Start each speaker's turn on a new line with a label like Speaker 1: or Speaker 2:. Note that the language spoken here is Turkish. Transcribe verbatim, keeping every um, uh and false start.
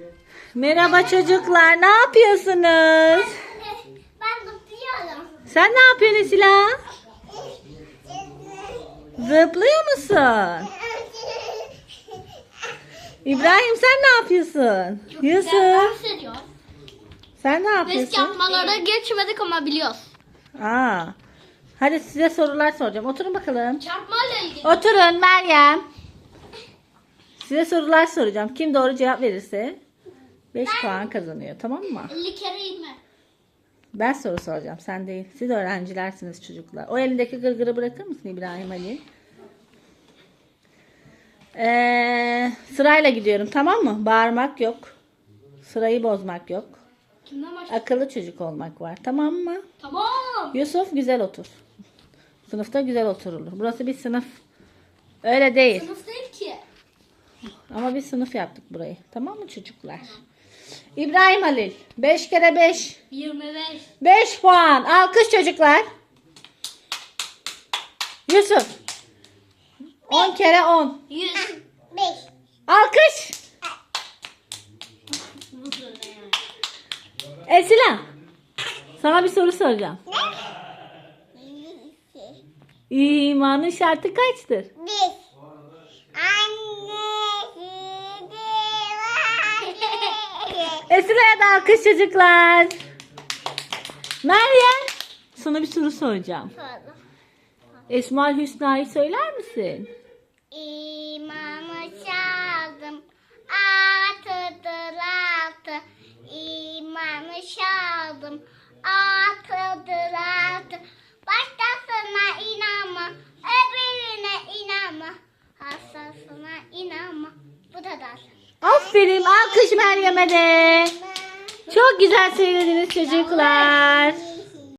Speaker 1: Merhaba çocuklar, ne yapıyorsunuz?
Speaker 2: Ben zıplıyorum.
Speaker 1: Sen ne yapıyorsun Esila? Zıplıyor musun? İbrahim sen ne yapıyorsun? Yusuf
Speaker 2: Dans ediyor.
Speaker 1: sen ne
Speaker 2: Risk
Speaker 1: yapıyorsun?
Speaker 2: yapmalara geçmedik ama biliyoruz.
Speaker 1: Aa. Hadi size sorular soracağım. Oturun bakalım.
Speaker 2: Çarpmayla ilgili.
Speaker 1: Oturun Meryem. Size sorular soracağım. Kim doğru cevap verirse beş puan kazanıyor, tamam mı?
Speaker 2: elli kere inme.
Speaker 1: Ben soru soracağım, sen değil. Siz öğrencilersiniz çocuklar. O elindeki gırgırı bırakır mısın İbrahim Ali? Ee, sırayla gidiyorum, tamam mı? Bağırmak yok. Sırayı bozmak yok.
Speaker 2: Kimden başlayalım?
Speaker 1: Akıllı çocuk olmak var, tamam mı?
Speaker 2: Tamam.
Speaker 1: Yusuf güzel otur. Sınıfta güzel oturulur. Burası bir sınıf. Öyle değil.
Speaker 2: Sınıf değil ki.
Speaker 1: Ama bir sınıf yaptık burayı. Tamam mı çocuklar? İbrahim Halil. beş kere beş.
Speaker 2: yirmi beş.
Speaker 1: beş puan. Alkış çocuklar. Yusuf. on kere on.
Speaker 2: yüz. beş.
Speaker 1: Alkış. Esila. Sana bir soru soracağım. İmanın şartı kaçtır?
Speaker 2: Bir.
Speaker 1: Esila'ya da alkış çocuklar. Meryem. Sana bir soru soracağım. Esmaül Hüsna'yı söyler misin?
Speaker 2: İmanı çaldım, altıdır altı. İmanı çaldım, altıdır altı. Başkasına inanma, öbürüne inanma. Hastasına inanma. Bu kadar.
Speaker 1: Aferin, alkış Meryem'e de. Çok güzel söylediniz çocuklar.